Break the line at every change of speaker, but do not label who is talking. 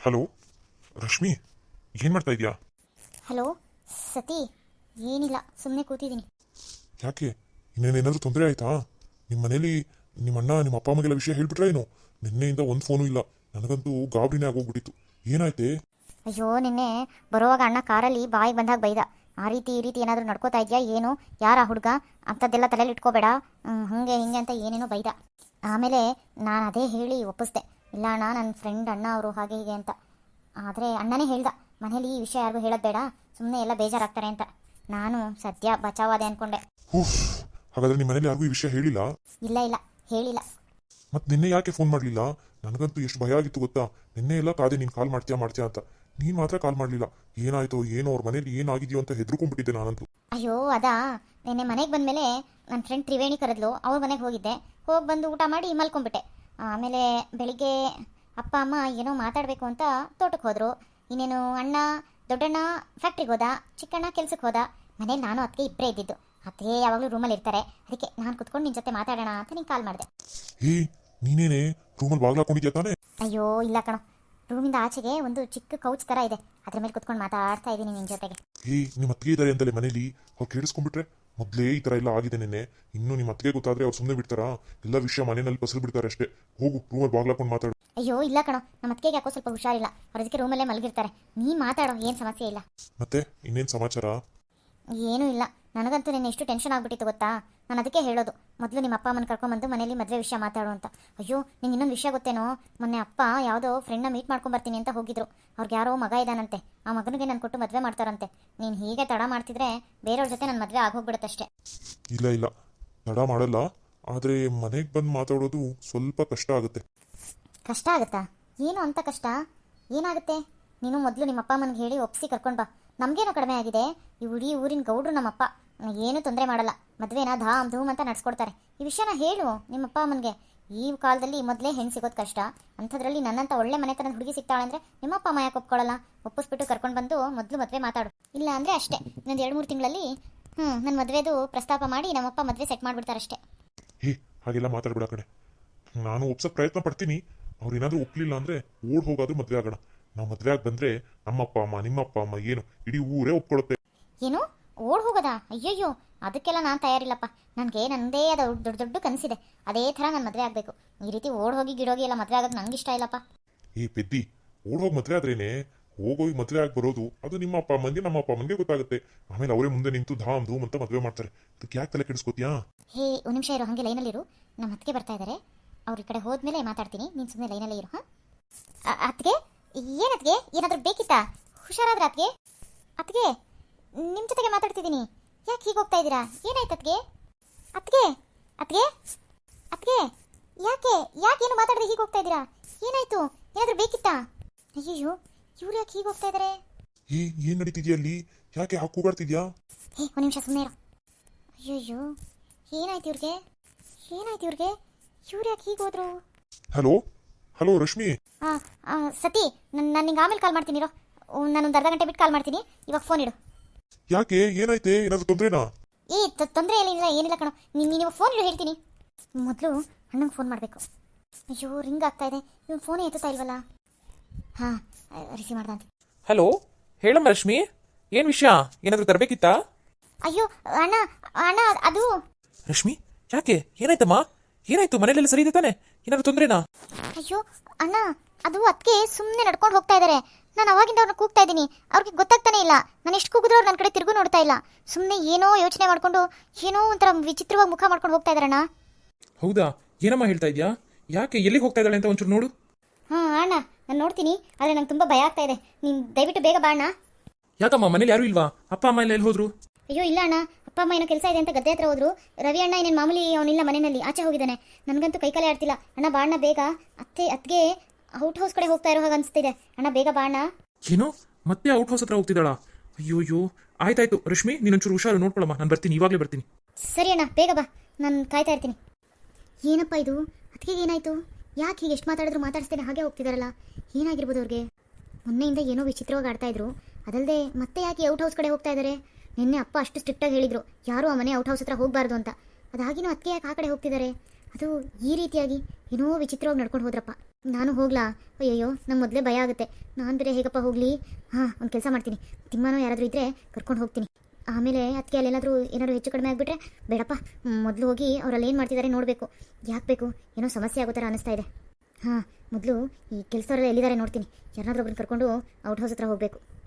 Hello Rashmi, ಏನು ಮಾಡ್ತಾ ಇದೀಯಾ?
ಹಲೋ ಸತಿ, ಏನಿಲ್ಲ, ಸುಮ್ಮನೆ ಕೂತಿದ್ದೀನಿ.
ಯಾಕೆ, ಇನ್ನೇನೇನಾದರೂ ತೊಂದರೆ ಆಯ್ತಾ? ನಿಮ್ಮ ಮನೇಲಿ ನಿಮ್ಮ ಅಣ್ಣ ನಿಮ್ಮ ಅಪ್ಪ ಅಮ್ಮಗೆ ವಿಷಯ ಹೇಳ್ಬಿಟ್ರೆ ಏನು? ನಿನ್ನೆಯಿಂದ ಒಂದು ಫೋನು ಇಲ್ಲ. ನನಗಂತೂ ಗಾಬರಿನೇ ಆಗೋಗ್ಬಿಟ್ಟಿತ್ತು. ಏನಾಯ್ತೆ?
ಅಯ್ಯೋ, ನಿನ್ನೆ ಬರುವಾಗ ಅಣ್ಣ ಕಾರಲ್ಲಿ ಬಾಯಿಗೆ ಬಂದಾಗ ಬೈದ. ಆ ರೀತಿ ಈ ರೀತಿ ಏನಾದರೂ ನಡ್ಕೋತಾ ಇದೆಯಾ ಏನು, ಯಾರ ಹುಡುಗ ಅಂಥದ್ದೆಲ್ಲ ತಲೆಯಲ್ಲಿ ಇಟ್ಕೋಬೇಡ, ಹಾಗೆ ಹಿಂಗೆ ಅಂತ ಏನೇನೋ ಬೈದ. ಆಮೇಲೆ ನಾನು ಅದೇ ಹೇಳಿ ಒಪ್ಪಿಸ್ದೆ, ಇಲ್ಲ ಅಣ್ಣ ನನ್ನ ಫ್ರೆಂಡ್ ಅಣ್ಣ ಅವರು ಹಾಗೆ ಹೀಗೆ ಅಂತ. ಆದರೆ ಅಣ್ಣನೇ ಹೇಳ್ದ, ಮನೇಲಿ ಈ ವಿಷಯ ಯಾರಿಗೂ ಹೇಳೋದು ಬೇಡ, ಸುಮ್ಮನೆ ಎಲ್ಲ ಬೇಜಾರಾಗ್ತಾರೆ ಅಂತ. ನಾನು ಸದ್ಯ ಬಚಾವಾದೆ ಅಂದ್ಕೊಂಡೆ.
ಹಾಗಾದ್ರೆ ನಿಮ್ಮ ಮನೇಲಿ ಯಾರಿಗೂ ಈ ವಿಷಯ ಹೇಳಿಲ್ಲ?
ಇಲ್ಲ ಇಲ್ಲ, ಹೇಳಿಲ್ಲ.
ಮತ್ತೆ ನಿನ್ನೆ ಯಾಕೆ ಫೋನ್ ಮಾಡಲಿಲ್ಲ? ನನಗಂತೂ ಎಷ್ಟು ಭಯ ಆಗಿತ್ತು ಗೊತ್ತಾ. ನಿನ್ನೆ ಎಲ್ಲ ಕಾದೆ ನೀನು ಕಾಲ್ ಮಾಡ್ತೀಯಾ ಅಂತ. ನೀನು ಮಾತ್ರ ಕಾಲ್ ಮಾಡಲಿಲ್ಲ. ಏನಾಯ್ತೋ ಏನೋ, ಅವ್ರ ಮನೇಲಿ ಏನಾಗಿದೆಯೋ ಅಂತ ಹೆದರ್ಕೊಂಡ್ಬಿಟ್ಟಿದ್ದೆ ನಾನಂತೂ.
ಅಯ್ಯೋ ಅದಾ, ನಿನ್ನೆ ಮನೆಗೆ ಬಂದಮೇಲೆ ನನ್ನ ಫ್ರೆಂಡ್ ತ್ರಿವೇಣಿ ಕರೆದ್ಲು, ಅವ್ರ ಮನೆಗೆ ಹೋಗಿದ್ದೆ. ಹೋಗಿ ಬಂದು ಊಟ ಮಾಡಿ ಮಲ್ಕೊಂಡ್ಬಿಟ್ಟೆ. ಆಮೇಲೆ ಬೆಳಿಗ್ಗೆ ಅಪ್ಪ ಅಮ್ಮ ಏನೋ ಮಾತಾಡಬೇಕು ಅಂತ ತೋಟಕ್ಕೆ ಹೋದರು. ಇನ್ನೇನು ಅಣ್ಣ ದೊಡ್ಡಣ್ಣ ಫ್ಯಾಕ್ಟ್ರಿಗೆ ಹೋದ, ಚಿಕ್ಕಣ್ಣ ಕೆಲ್ಸಕ್ಕೆ ಹೋದ. ಮನೇಲಿ ನಾನು ಅದಕ್ಕೆ ಇಬ್ಬರೇ ಇದ್ದಿದ್ದು. ಅದೇ ಯಾವಾಗಲೂ ರೂಮಲ್ಲಿ ಇರ್ತಾರೆ. ಅದಕ್ಕೆ ನಾನು ಕುತ್ಕೊಂಡು ನಿನ್ನ ಜೊತೆ ಮಾತಾಡೋಣ ಅಂತ ನೀನು ಕಾಲ್ ಮಾಡಿದೆ.
ನೀನೇನೆ ರೂಮಲ್ಲಿ ಬಾಗ್ಲು ಹಾಕೊಂಡಿದ್ಯಾ ತಾನೇ?
ಅಯ್ಯೋ ಇಲ್ಲ ಕಣೋ, ರೂಮಿಂದ ಆಚೆಗೆ ಒಂದು ಚಿಕ್ಕ ಕೌಚ್ ಥರ ಇದೆ, ಅದ್ರ ಮೇಲೆ ಕುತ್ಕೊಂಡು ಮಾತಾಡ್ತಾ ಇದ್ದೀನಿ ನಿನ್ನ ಜೊತೆಗೆ.
ನಿಮ್ಮ ಅತ್ತಿಗೆ ಇದ್ದಾರೆ ಅಂತಲೇ ಮನೇಲಿ, ಅವ್ರು ಕೇಳಿಸ್ಕೊಂಡ್ಬಿಟ್ರೆ? ಮೊದಲೇ ಈ ಥರ ಎಲ್ಲ ಆಗಿದೆ ನಿನ್ನೆ. ಇನ್ನು ನಿಮ್ಮ ಅತ್ತಿಗೆ ಗೊತ್ತಾದ್ರೆ ಅವ್ರು ಸುಮ್ಮನೆ ಬಿಡ್ತಾರಾ? ಎಲ್ಲ ವಿಷಯ ಮನೆಯಲ್ಲಿ ಪಸರು ಬಿಡ್ತಾರೆ ಅಷ್ಟೇ. ಹೋಗು, ರೂಮಲ್ಲಿ ಬಾಗ್ಲು ಹಾಕೊಂಡು ಮಾತಾಡು.
ಅಯ್ಯೋ ಇಲ್ಲ ಕಣೋ, ನಮ್ಮ ಅತ್ತಿಗೆ ಯಾಕೋ ಸ್ವಲ್ಪ ಹುಷಾರಿಲ್ಲ, ಅವ್ರ ಅದಕ್ಕೆ ರೂಮಲ್ಲೇ ಮಲಗಿರ್ತಾರೆ. ನೀನು ಮಾತಾಡೋ, ಏನು ಸಮಸ್ಯೆ ಇಲ್ಲ.
ಮತ್ತೆ ಇನ್ನೇನು ಸಮಾಚಾರ?
ಏನೂ ಇಲ್ಲ. ನನಗಂತೂ ನಿನ್ನೆ ಎಷ್ಟು ಟೆನ್ಷನ್ ಆಗ್ಬಿಟ್ಟಿತ್ತು ಗೊತ್ತಾ. ನಾನು ಅದಕ್ಕೆ ಹೇಳೋದು, ಮೊದಲು ನಿಮ್ಮ ಅಪ್ಪ ಅಮ್ಮನ ಕರ್ಕೊಂಡ್ಬಂದು ಮನೇಲಿ ಮದುವೆ ವಿಷಯ ಮಾತಾಡು ಅಂತ. ಅಯ್ಯೋ, ನಿಂಗೆ ಇನ್ನೊಂದು ವಿಷಯ ಗೊತ್ತೇನೋ, ಮೊನ್ನೆ ಅಪ್ಪ ಯಾವುದೋ ಫ್ರೆಂಡ್ನ ಮೀಟ್ ಮಾಡ್ಕೊಂಬರ್ತೀನಿ ಅಂತ ಹೋಗಿದ್ರು. ಅವ್ರಿಗೆ ಯಾರೋ ಮಗ ಇದ್ದಾನಂತೆ, ಆ ಮಗನಿಗೆ ನಾನು ಕೊಟ್ಟು ಮದುವೆ ಮಾಡ್ತಾರಂತೆ. ನೀನು ಹೀಗೆ ತಡ ಮಾಡ್ತಿದ್ರೆ ಬೇರೆಯವ್ರ ಜೊತೆ ನನ್ನ ಮದುವೆ ಆಗೋಗ್ಬಿಡುತ್ತಷ್ಟೇ.
ಇಲ್ಲ ತಡ ಮಾಡಲ್ಲ, ಆದರೆ ಮನೆಗೆ ಬಂದು ಮಾತಾಡೋದು ಸ್ವಲ್ಪ ಕಷ್ಟ ಆಗುತ್ತೆ.
ಕಷ್ಟ ಆಗುತ್ತಾ? ಏನು ಅಂತ ಕಷ್ಟ? ಏನಾಗುತ್ತೆ? ನೀನು ಮೊದಲು ನಿಮ್ಮ ಅಪ್ಪ ಅಮ್ಮನಿಗೆ ಹೇಳಿ ಒಪ್ಪಿಸಿ ಕರ್ಕೊಂಡು ಬಾ. ನಮಗೇನೋ ಕಡಿಮೆ ಆಗಿದೆ, ಈ ಇಡೀ ಊರಿನ ಗೌಡ್ರು ನಮ್ಮಪ್ಪ, ಏನೂ ತೊಂದರೆ ಮಾಡಲ್ಲ. ಮದುವೆನ ಧಾಮ್ ಧೂಮ್ ಅಂತ ನಡ್ಸ್ಕೊಡ್ತಾರೆ. ಈ ವಿಷಯನ ಹೇಳು ನಿಮ್ಮಪ್ಪ ಅಮ್ಮನಿಗೆ. ಈ ಕಾಲದಲ್ಲಿ ಮೊದಲೇ ಹೆಣ್ಣು ಸಿಗೋದು ಕಷ್ಟ, ಅಂಥದ್ರಲ್ಲಿ ನನ್ನಂತ ಒಳ್ಳೆ ಮನೆತನದ ಹುಡುಗಿ ಸಿಗ್ತಾಳೆ ಅಂದರೆ ನಿಮ್ಮಪ್ಪ ಅಮ್ಮ ಯಾಕೆ ಒಪ್ಕೊಳ್ಳಲ್ಲ? ಒಪ್ಪಿಸ್ಬಿಟ್ಟು ಕರ್ಕೊಂಡು ಬಂದು ಮೊದಲು ಮದುವೆ ಮಾತಾಡು. ಇಲ್ಲ ಅಂದರೆ ಅಷ್ಟೇ, ಇನ್ನೊಂದು 2-3 ತಿಂಗಳಲ್ಲಿ ನನ್ನ ಮದುವೆದು ಪ್ರಸ್ತಾಪ ಮಾಡಿ ನಮ್ಮಪ್ಪ ಮದುವೆ ಸೆಟ್ ಮಾಡಿಬಿಡ್ತಾರಷ್ಟೇ.
ಹಾಗೆಲ್ಲ ಮಾತಾಡ್ಬಿಡ ಕಡೆ. ನಾನು ಒಪ್ಸೋಕೆ ಪ್ರಯತ್ನ ಪಡ್ತೀನಿ. ಅವ್ರು ಏನಾದರೂ ಒಪ್ಪಲಿಲ್ಲ ಅಂದರೆ ಓಡ್ ಹೋಗಾದ್ರೂ ಮದುವೆ ಆಗೋಣ. ನಾವು ಮದುವೆ ಆಗಿ ಬಂದರೆ ನಮ್ಮಪ್ಪ ಅಮ್ಮ ನಿಮ್ಮಪ್ಪ ಅಮ್ಮ ಏನು ಇಡೀ ಊರೇ ಒಪ್ಕೊಳ್ಳುತ್ತೆ.
ಏನು ಓಡ್ ಹೋಗೋದಾ? ಅಯ್ಯಯ್ಯೋ, ಅದಕ್ಕೆಲ್ಲ ನಾನು ತಯಾರಿಲ್ಲಪ್ಪ. ನನಗೆ ನನ್ನದೇ ಆದ ದೊಡ್ಡ ದೊಡ್ಡ ಕನಸಿದೆ. ಅದೇ ಥರ ನಾನು ಮದುವೆ ಆಗಬೇಕು. ಈ ರೀತಿ ಓಡ್ ಹೋಗಿ ಗಿಡೋಗಿ ಎಲ್ಲ ಮದುವೆ ಆಗೋದು ನಂಗೆ ಇಷ್ಟ ಇಲ್ಲಪ್ಪ.
ಪೆದ್ದಿ, ಓಡ್ ಹೋಗಿ ಮದುವೆ ಆದ್ರೇನೆ, ಹೋಗೋಗಿ ಮದುವೆ ಆಗಿ ಬರೋದು ಅದು ನಿಮ್ಮ ಅಪ್ಪ ಅಮ್ಮನಿಗೆ ನಮ್ಮ ಅಪ್ಪ ಅಮ್ಮನಿಗೆ ಗೊತ್ತಾಗುತ್ತೆ. ಆಮೇಲೆ ಅವರೇ ಮುಂದೆ ನಿಂತು ಧಾಮ್ ಧೂಮ್ ಅಂತ ಮದುವೆ ಮಾಡ್ತಾರೆ. ಅದಕ್ಕೆ ಯಾಕೆ ತಲೆ ಕೆಡಿಸ್ಕೋತೀಯಾ?
ಒಂದು ನಿಮಿಷ ಇರು, ಹಾಗೆ ಲೈನಲ್ಲಿರು. ನಮ್ಮ ಅತ್ತಿಗೆ ಬರ್ತಾ ಇದ್ದಾರೆ, ಅವ್ರ ಈ ಕಡೆ ಹೋದ್ಮೇಲೆ ಮಾತಾಡ್ತೀನಿ. ನೀನು ಸುಮ್ಮನೆ ಲೈನಲ್ಲೇ ಇರು. ಅತ್ತಿಗೆ, ಏನತ್ತಿಗೆ, ಏನಾದರೂ ಬೇಕಿತ್ತಾ? ಹುಷಾರಾದ್ರೆ ಅತ್ತಿಗೆ? ಅತ್ತಿಗೆ, ನಿಮ್ಮ ಜೊತೆಗೆ ಮಾತಾಡ್ತಿದ್ದೀನಿ. ಯಾಕೆ ಹೀಗೆ ಹೋಗ್ತಾ ಇದ್ದೀರಾ? ಏನಾಯ್ತು ಅತ್ತಿಗೆ? ಅತ್ತಿಗೆ ಅತ್ತಿಗೆ ಅತ್ತಿಗೆ, ಯಾಕೇನು ಮಾತಾಡದೆ ಹೀಗೆ ಹೋಗ್ತಾ ಇದ್ದೀರಾ? ಏನಾಯ್ತು? ಏನಾದರೂ ಬೇಕಿತ್ತಾ? ಅಯ್ಯಯ್ಯೋ, ಇವ್ರು ಯಾಕೆ ಹೀಗೆ ಹೋಗ್ತಾ ಇದ್ದಾರೆ?
ಏನ್ ನಡೀತಿದ್ಯಾ ಅಲ್ಲಿ? ಯಾಕೆ ಹಾಕಿ ಕೂಗಾಡ್ತಿದ್ಯಾ?
ಒಂದು ನಿಮಿಷ ಸುಮ್ಮನೆ ಇರು. ಅಯ್ಯಯ್ಯೋ, ಏನಾಯ್ತು ಇವ್ರಿಗೆ? ಇವ್ರು ಯಾಕೆ ಹೀಗೆ ಹೋದ್ರು?
ಹಲೋ ರಶ್ಮಿ.
ಸತಿ, ನಾನು ನಿಂಗೆ ಆಮೇಲೆ ಕಾಲ್ ಮಾಡ್ತೀನಿ ಇರೋ. ನಾನೊಂದು ಅರ್ಧ ಗಂಟೆ ಬಿಟ್ಟು ಕಾಲ್ ಮಾಡ್ತೀನಿ. ಇವಾಗ ಫೋನ್ ಇಡು.
ಯಾಕೆ, ಏನಾಯ್ತೆ? ಏನಾದ್ರು ತೊಂದ್ರೆನಾ?
ತೊಂದರೆ ಏನಿಲ್ಲ ಕಣೋ. ನೀವು ಫೋನ್ ಇಡು, ಹೇಳ್ತೀನಿ. ಮೊದಲು ಅಣ್ಣಂಗೆ ಫೋನ್ ಮಾಡಬೇಕು. ಅಯ್ಯೋ, ರಿಂಗ್ ಆಗ್ತಾ ಇದೆ, ಇವ್ನು ಫೋನೇ ಎತ್ತುತ್ತಾ ಇಲ್ವಲ್ಲ. ಹಾಂ, ರಿಸೀವ್ ಮಾಡ್ದಂತೆ.
ಹಲೋ, ಹೇಳಮ್ಮ ರಶ್ಮಿ, ಏನು ವಿಷಯ? ಏನಾದರೂ ತರಬೇಕಿತ್ತಾ?
ಅಯ್ಯೋ ಅಣ್ಣ ಅದು.
ರಶ್ಮಿ, ಯಾಕೆ, ಏನಾಯ್ತಮ್ಮ? ಏನಾಯ್ತು? ಮನೇಲೆಲ್ಲ ಸರಿ ಇದೆ ತಾನೆ? ಏನಾದ್ರು ತೊಂದ್ರೆನಾ?
ಅಯ್ಯೋ ಅಣ್ಣ, ಅದು ಅದಕ್ಕೆ ಸುಮ್ಮನೆ ನಡ್ಕೊಂಡು ಹೋಗ್ತಾ ಇದ್ದಾರೆ. ನಾನು ಅವಾಗಿಂದ ಅವ್ರನ್ನ ಕೂಗ್ತಾ ಇದ್ದೀನಿ, ಅವ್ರಿಗೆ ಗೊತ್ತಾಗ್ತಾನೆ ಇಲ್ಲ. ನಾನು ಎಷ್ಟು ಕೂಗಿದ್ರು ಅವ್ರು ನನ್ನ ಕಡೆ ತಿರುಗು ನೋಡ್ತಾ ಇಲ್ಲ. ಸುಮ್ಮನೆ ಏನೋ ಯೋಚನೆ ಮಾಡ್ಕೊಂಡು ಏನೋ ಒಂಥರ ವಿಚಿತ್ರವಾಗಿ ಮುಖ ಮಾಡ್ಕೊಂಡು ಹೋಗ್ತಾ ಇದ್ದಾರಣ್ಣ.
ಹೌದಾ? ಏನಮ್ಮ ಹೇಳ್ತಾ ಇದೆಯಾ? ಯಾಕೆ, ಎಲ್ಲಿಗೆ ಹೋಗ್ತಾ ಇದ್ದಾಳೆ ಅಂತ ಒಂಚೂರು ನೋಡು.
ಅಣ್ಣ, ನಾನು ನೋಡ್ತೀನಿ, ಆದರೆ ನಂಗೆ ತುಂಬ ಭಯ ಆಗ್ತಾ ಇದೆ. ನೀನು ದಯವಿಟ್ಟು ಬೇಗ ಬಾ ಅಣ್ಣ.
ಯಾಕಮ್ಮ, ಮನೇಲಿ ಯಾರೂ ಇಲ್ವಾ? ಅಪ್ಪ ಅಮ್ಮ ಎಲ್ಲ ಎಲ್ಲಿ ಹೋದ್ರು? ಅಯ್ಯೋ
ಇಲ್ಲ ಅಣ್ಣ, ಅಪ್ಪ ಅಮ್ಮ ಏನೋ ಕೆಲಸ ಇದೆ ಅಂತ ಗದ್ದೆ ಹತ್ರ ಹೋದ್ರು. ರವಿ ಅಣ್ಣ ಏನೇನು ಮಾಮೂಲಿ ಅವನಿಲ್ಲ, ಮನೆಯಲ್ಲಿ ಆಚೆ ಹೋಗಿದ್ದಾನೆ. ನನಗಂತೂ ಕೈಕಾಲೇ ಆಡ್ತಿಲ್ಲ. ಅಣ್ಣ ಬಾ ಅಣ್ಣ ಬೇಗ. ಅತ್ತಿಗೆ ಔಟ್ ಹೌಸ್ ಕಡೆ ಹೋಗ್ತಾ ಇರೋ ಹಾಗೆ ಅನಿಸ್ತಿದೆ. ಅಣ್ಣ ಬೇಗ ಬಾ ಅಣ್ಣ.
ಏನೋ ಮತ್ತೆ ಔಟ್ ಹೌಸ್ ಹತ್ರ ಹೋಗ್ತಿದ್ದಾಳಾ? ಅಯ್ಯೋ, ಆಯ್ತಾಯ್ತು ರಶ್ಮಿ, ನೀನೊಂಚೂರು ಹುಷಾರು ನೋಡ್ಕೊಳಮ್ಮ. ನಾನು ಬರ್ತೀನಿ, ಇವಾಗಲೇ ಬರ್ತೀನಿ.
ಸರಿ ಅಣ್ಣ, ಬೇಗ ಬಾ, ನಾನು ಕಾಯ್ತಾ ಇರ್ತೀನಿ. ಏನಪ್ಪ ಇದು, ಅದಕ್ಕೆ ಏನಾಯ್ತು? ಯಾಕೆ ಹೀಗೆ ಎಷ್ಟು ಮಾತಾಡಿದ್ರು ಮಾತಾಡಿಸ್ತೇನೆ ಹಾಗೆ ಹೋಗ್ತಿದಾರಲ್ಲ? ಏನಾಗಿರ್ಬೋದು ಅವ್ರಿಗೆ? ಮೊನ್ನೆಯಿಂದ ಏನೋ ವಿಚಿತ್ರವಾಗಿ ಆಡ್ತಾ ಇದ್ರು. ಅದಲ್ಲದೆ ಮತ್ತೆ ಯಾಕೆ ಔಟ್ ಹೌಸ್ ಕಡೆ ಹೋಗ್ತಾ ಇದ್ದಾರೆ? ನಿನ್ನೆ ಅಪ್ಪ ಅಷ್ಟು ಸ್ಟ್ರಿಕ್ಟಾಗಿ ಹೇಳಿದ್ರು, ಯಾರೂ ಆ ಮನೆ ಔಟ್ ಹೌಸ್ ಹತ್ರ ಹೋಗಬಾರ್ದು ಅಂತ. ಅದಾಗಿನೂ ಅದಕ್ಕೆ ಯಾಕೆ ಆ ಕಡೆ ಹೋಗ್ತಿದ್ದಾರೆ? ಅದು ಈ ರೀತಿಯಾಗಿ ಏನೋ ವಿಚಿತ್ರವಾಗಿ ನಡ್ಕೊಂಡು ಹೋದ್ರಪ್ಪ. ನಾನು ಹೋಗ್ಲಾ? ಅಯ್ಯಯ್ಯೋ ನಂಗೆ ಮೊದಲೇ ಭಯ ಆಗುತ್ತೆ. ನಾನು ಬೇರೆ ಹೇಗಪ್ಪ ಹೋಗಲಿ? ಹಾಂ, ಒಂದು ಕೆಲಸ ಮಾಡ್ತೀನಿ. ತಿಮ್ಮನೋ ಯಾರಾದರೂ ಇದ್ದರೆ ಕರ್ಕೊಂಡು ಹೋಗ್ತೀನಿ. ಆಮೇಲೆ ಅದಕ್ಕೆ ಅಲ್ಲೇನಾದರೂ ಏನಾದರೂ ಹೆಚ್ಚು ಕಡಿಮೆ ಆಗಿಬಿಟ್ರೆ ಬೇಡಪ್ಪ. ಮೊದಲು ಹೋಗಿ ಅವರಲ್ಲಿ ಏನು ಮಾಡ್ತಿದ್ದಾರೆ ನೋಡಬೇಕು. ಯಾಕೆ ಬೇಕು? ಏನೋ ಸಮಸ್ಯೆ ಆಗೋ ಥರ ಅನ್ನಿಸ್ತಾ ಇದೆ. ಹಾಂ, ಮೊದಲು ಈ ಕೆಲಸದವರೆಲ್ಲ ಎಲ್ಲಿದ್ದಾರೆ ನೋಡ್ತೀನಿ. ಯಾರನ್ನಾದ್ರೂ ಒಬ್ರನ್ನ ಕರ್ಕೊಂಡು ಔಟ್ ಹೌಸ್ ಹತ್ರ ಹೋಗಬೇಕು.